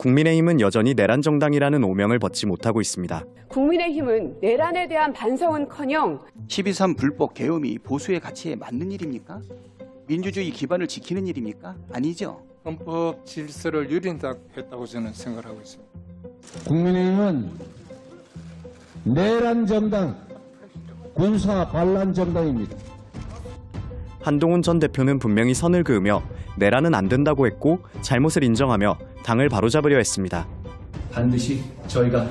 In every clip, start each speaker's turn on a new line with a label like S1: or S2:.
S1: 국민의힘은 여전히 내란 정당이라는 오명을 벗지 못하고 있습니다.
S2: 국민의힘은 내란에 대한 반성은커녕
S3: 12.3 불법 계엄이 보수의 가치에 맞는 일입니까? 민주주의 기반을 지키는 일입니까? 아니죠.
S4: 헌법 질서를 유린했다고 저는 생각하고 있습니다.
S5: 국민의힘은 내란 정당, 군사 반란 정당입니다.
S1: 한동훈 전 대표는 분명히 선을 그으며 내란은 안 된다고 했고 잘못을 인정하며 당을 바로잡으려 했습니다.
S6: 반드시 저희가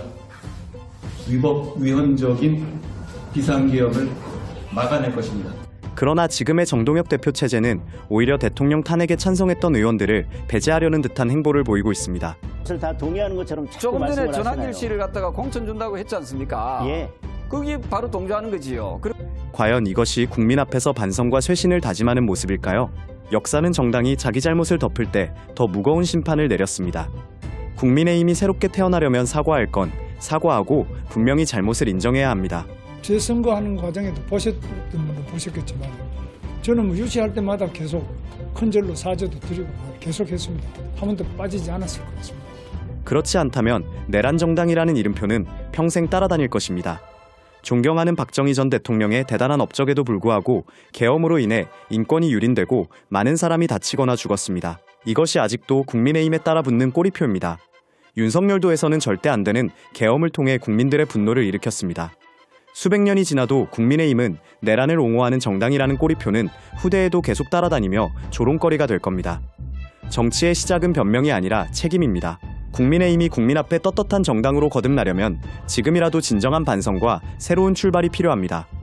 S6: 위헌적인 비상계엄을 막아낼 것입니다.
S1: 그러나 지금의 정동혁 대표 체제는 오히려 대통령 탄핵에 찬성했던 의원들을 배제하려는 듯한 행보를 보이고 있습니다.
S7: 그것을 다 동의하는 것처럼 자꾸
S8: 조금 전에
S7: 말씀을 하시나요?
S8: 전한길 씨를 갖다가 공천 준다고 했지 않습니까?
S7: 예.
S8: 그게 바로 동조하는 거지요.
S1: 과연 이것이 국민 앞에서 반성과 쇄신을 다짐하는 모습일까요? 역사는 정당이 자기 잘못을 덮을 때 더 무거운 심판을 내렸습니다. 국민의힘이 새롭게 태어나려면 사과할 건 사과하고 분명히 잘못을 인정해야 합니다.
S9: 재선거하는 과정에도 보셨던 분도 보셨겠지만 저는 뭐 유치할 때마다 계속 큰절로 사죄도 드리고 계속했습니다. 한 번도 빠지지 않았을 것 같습니다.
S1: 그렇지 않다면 내란 정당이라는 이름표는 평생 따라다닐 것입니다. 존경하는 박정희 전 대통령의 대단한 업적에도 불구하고 계엄으로 인해 인권이 유린되고 많은 사람이 다치거나 죽었습니다. 이것이 아직도 국민의힘에 따라 붙는 꼬리표입니다. 윤석열도 해서는 절대 안 되는 계엄을 통해 국민들의 분노를 일으켰습니다. 수백 년이 지나도 국민의힘은 내란을 옹호하는 정당이라는 꼬리표는 후대에도 계속 따라다니며 조롱거리가 될 겁니다. 정치의 시작은 변명이 아니라 책임입니다. 국민의힘이 국민 앞에 떳떳한 정당으로 거듭나려면 지금이라도 진정한 반성과 새로운 출발이 필요합니다.